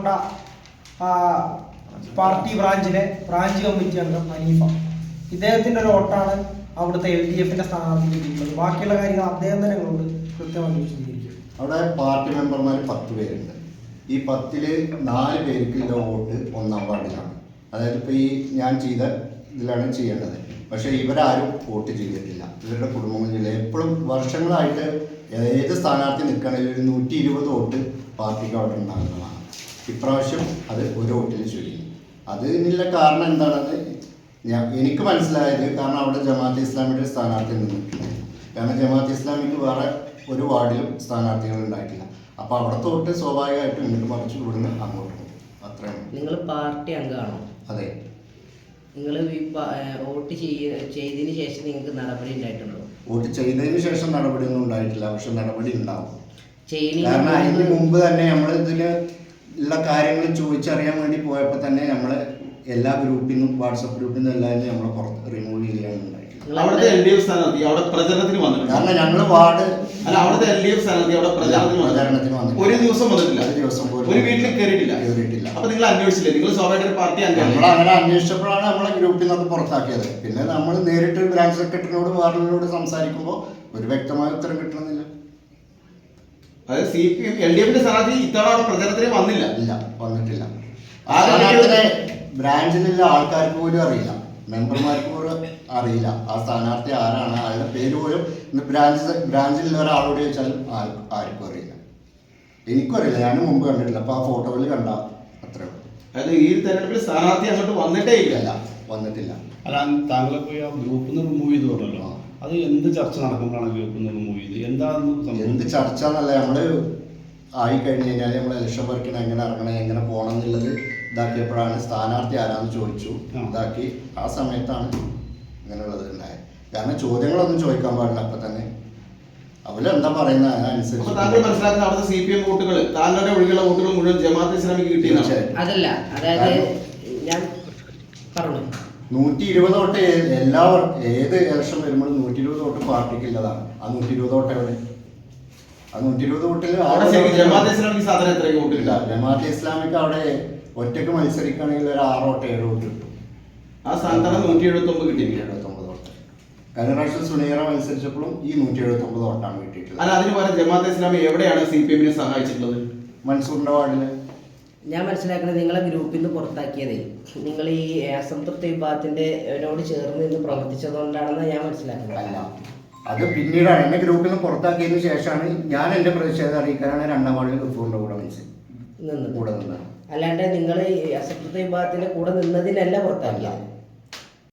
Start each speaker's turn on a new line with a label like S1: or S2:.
S1: പാറക്കോട്ട party branch committee അംഗം ഹനീഫ. ഇദ്ദേഹത്തിന്റെ ഒരു വോട്ടാണ് അവിടുത്തെ LDF-ന്റെ സ്ഥാനാർത്ഥിക്ക് കിട്ടുന്നത്. ബാക്കിയുള്ള കാര്യങ്ങൾ അദ്ദേഹം തന്നെ കൊണ്ട് കൃത്യമായി വിശദീകരിക്കും.
S2: അവിടെ പാർട്ടി മെമ്പർമാർ 10 പേരുണ്ട്. ഈ 10-ൽ 4 പേർക്കുള്ള വോട്ട് 1-ാം വാർഡിലാണ്. അതായത് ഇപ്പോൾ ഈ ഞാൻ ചെയ്ത ഇതിലാണ് ചെയ്യേണ്ടത്. പക്ഷേ ഇവരാരും വോട്ട് ചെയ്തിട്ടില്ല. ഇവരുടെ കുടുംബങ്ങളില്ല. എപ്പോഴും വർഷങ്ങളായിട്ട് ഏത് സ്ഥാനാർത്ഥി നിൽക്കുകയാണെങ്കിൽ ഒരു 120 വോട്ട് പാർട്ടിക്ക് അവിടെ ഉണ്ടാകുന്നതാണ്. ഇപ്രാവശ്യം അത് ഒരു വോട്ടിൽ ചുരുങ്ങി. അതിനുള്ള കാരണം എന്താണെന്ന് എനിക്ക് മനസ്സിലായത്, കാരണം അവിടെ ജമാഅത്തെ ഇസ്ലാമിയുടെ സ്ഥാനാർത്ഥി നിന്നിട്ടുണ്ട്. കാരണം ജമാഅത്തെ ഇസ്ലാമിക്ക് വേറെ ഒരു വാർഡിലും സ്ഥാനാർത്ഥികൾ ഉണ്ടായിട്ടില്ല. അപ്പോൾ അവിടുത്തെ വോട്ട് സ്വാഭാവികമായിട്ടും ഇങ്ങോട്ട് മറിച്ച് ഇവിടുന്ന് അങ്ങോട്ട് പോകും. അത്രയാണ്.
S3: നിങ്ങൾ പാർട്ടി അംഗമാണോ?
S2: അതെ.
S3: നിങ്ങൾ വോട്ട് ചെയ്തതിന് ശേഷം നിങ്ങൾക്ക് നടപടി ഉണ്ടായിട്ടുണ്ടോ?
S2: വോട്ട് ചെയ്തതിന് ശേഷം നടപടിയൊന്നും ഉണ്ടായിട്ടില്ല. പക്ഷെ നടപടി ഉണ്ടാവും.
S3: കാരണം
S2: അതിന് മുമ്പ് തന്നെ നമ്മൾ ഇതിന് ഉള്ള കാര്യങ്ങൾ ചോദിച്ചറിയാൻ വേണ്ടി പോയപ്പോൾ തന്നെ നമ്മൾ എല്ലാ ഗ്രൂപ്പിൽ നിന്നും വാട്സപ്പ് ഗ്രൂപ്പിൽ നിന്നും എല്ലാവരും നമ്മളെ പുറത്ത് റിമൂവ് ചെയ്യാനുണ്ടായിട്ടില്ല.
S4: അവിടുത്തെ LDF സ്ഥാനാർത്ഥി അവിടെ പ്രചരണത്തിന് വന്നിട്ടുണ്ട്.
S2: കാരണം ഞങ്ങൾ വാർഡ്
S4: അല്ല, അവിടുത്തെ LDF സ്ഥാനാർത്ഥി അവിടെ പ്രചരണത്തിന് വന്നിട്ടുണ്ട്. ഒരു ദിവസം വന്നിട്ടില്ല. ഒരു വീട്ടിൽ കയറിയിട്ടില്ല. അപ്പൊ നിങ്ങൾ അന്വേഷിച്ചില്ലേ? നിങ്ങൾ സ്വാഭാവിക പാർട്ടി
S2: നമ്മൾ അങ്ങനെ അന്വേഷിച്ചപ്പോഴാണ് നമ്മളെ ഗ്രൂപ്പിൽ നിന്നൊക്കെ പുറത്താക്കിയത്. പിന്നെ നമ്മൾ നേരിട്ട് ബ്രാഞ്ച് സെക്രട്ടറിനോട് വാർഡിനോട് സംസാരിക്കുമ്പോൾ ഒരു വ്യക്തമായ ഉത്തരം കിട്ടണമെന്നില്ല.
S4: അതായത് CPM LDF-ന്റെ സ്ഥാനാർത്ഥി ഇത്തവണ അവിടെ പ്രചരണത്തിന് വന്നില്ല.
S2: ഇല്ല, വന്നിട്ടില്ല. ബ്രാഞ്ചിലുള്ള ആൾക്കാർക്ക് പോലും അറിയില്ല, മെമ്പർമാർക്ക് പോലും അറിയില്ല ആ സ്ഥാനാർത്ഥി ആരാണ്. അയാളുടെ പേര് പോലും ബ്രാഞ്ചിലുള്ള ഒരാളോട് ചോദിച്ചാലും ആർക്കും അറിയില്ല. എനിക്കും അറിയില്ല, ഞാൻ മുമ്പ് കണ്ടിട്ടില്ല. അപ്പോൾ ആ ഫോട്ടോയിൽ കണ്ട അത്രേ ഉള്ളൂ.
S4: അതായത് ഈ തെരഞ്ഞെടുപ്പിൽ സ്ഥാനാർത്ഥി അങ്ങോട്ട് വന്നിട്ടേ ഇല്ല.
S2: വന്നിട്ടില്ല.
S5: അല്ല, താങ്കളെ പോയി ആ ഗ്രൂപ്പിൽ നിന്ന് റിമൂവ് ചെയ്ത് പറഞ്ഞല്ലോ. അത് എന്ത് ചർച്ച നടക്കുമ്പോഴാണ് ഗ്രൂപ്പിൽ നിന്ന് റിമൂവ് ചെയ്ത്?
S2: എന്ത് ചർച്ച എന്നല്ല, നമ്മള് ആയിക്കഴിഞ്ഞ് കഴിഞ്ഞാൽ നമ്മൾ ഇലക്ഷൻ വർക്കിന് എങ്ങനെ ഇറങ്ങണം, എങ്ങനെ പോകണം എന്നുള്ളത് ഇതാക്കിയപ്പോഴാണ് സ്ഥാനാർത്ഥി ആരാന്ന് ചോദിച്ചു ഇതാക്കി. ആ സമയത്താണ് ഇങ്ങനെയുള്ളത് ഉണ്ടായത്. കാരണം ചോദ്യങ്ങളൊന്നും ചോദിക്കാൻ പാടില്ല. അപ്പൊ തന്നെ അവരെന്താ പറയുന്നത് അതിനനുസരിച്ച്.
S4: താങ്കൾ മനസ്സിലാക്കുന്ന അവിടുത്തെ CPM വോട്ടുകൾ, താങ്കളുടെ ഒഴികെയുള്ള വോട്ടുകൾ മുഴുവൻ ജമാഅത്തെ ഇസ്ലാമിക്ക് കിട്ടിയതാണ്.
S3: അതല്ല, അതായത് ഞാൻ പറഞ്ഞു
S2: 120 വോട്ട് ഏത് ഇലക്ഷൻ വരുമ്പോഴും 120 വോട്ട് പാർട്ടിക്കുള്ളതാണ്. ആ 120 വോട്ട് എവിടെ? ആ 120 വോട്ടിൽ
S4: ജമാഅത്തെ ഇസ്ലാമിക്ക് സാധാരണ എത്ര വോട്ട് കിട്ടില്ല?
S2: ജമാഅത്തെ ഇസ്ലാമിക്ക് അവിടെ ഒറ്റക്ക് മത്സരിക്കുകയാണെങ്കിൽ ഒരു 6 വോട്ട് 7 വോട്ട് കിട്ടും.
S4: ആ സ്ഥാനത്താണ് 179 കിട്ടി.
S2: 179 വോട്ട്. കഴിഞ്ഞ പ്രാവശ്യം സുനീറ മത്സരിച്ചപ്പോഴും ഈ 179 വോട്ടാണ് കിട്ടിയിട്ടുള്ളത്.
S4: അല്ല, അതിന് പകരം ജമാഅത്തെ ഇസ്ലാമി എവിടെയാണ് CPM-നെ സഹായിച്ചിട്ടുള്ളത്?
S2: മൻസൂറിന്റെ വാർഡില്.
S3: ഞാൻ മനസ്സിലാക്കുന്നത് നിങ്ങളെ ഗ്രൂപ്പിൽ നിന്ന് പുറത്താക്കിയതേ നിങ്ങൾ ഈ അസംതൃപ്ത വിഭാഗത്തിനോട് ചേർന്ന് നിന്ന് പ്രവർത്തിച്ചതുകൊണ്ടാണെന്ന് ഞാൻ മനസ്സിലാക്കുന്നത്.
S2: അല്ല, അത് പിന്നീടാണ്. എന്നെ ഗ്രൂപ്പിൽ നിന്ന് പുറത്താക്കിയതിനു ശേഷമാണ് ഞാൻ എന്റെ പ്രതിഷേധം അറിയിക്കാനാണ് 2-ാം വാർഡിൽ ഗഫൂറിന്റെ കൂടെ നിന്നത്.
S3: അല്ലാണ്ട് നിങ്ങൾ ഈ അസംതൃപ്ത വിഭാഗത്തിന്റെ കൂടെ നിന്നതിനല്ല പുറത്താക്കിയത്.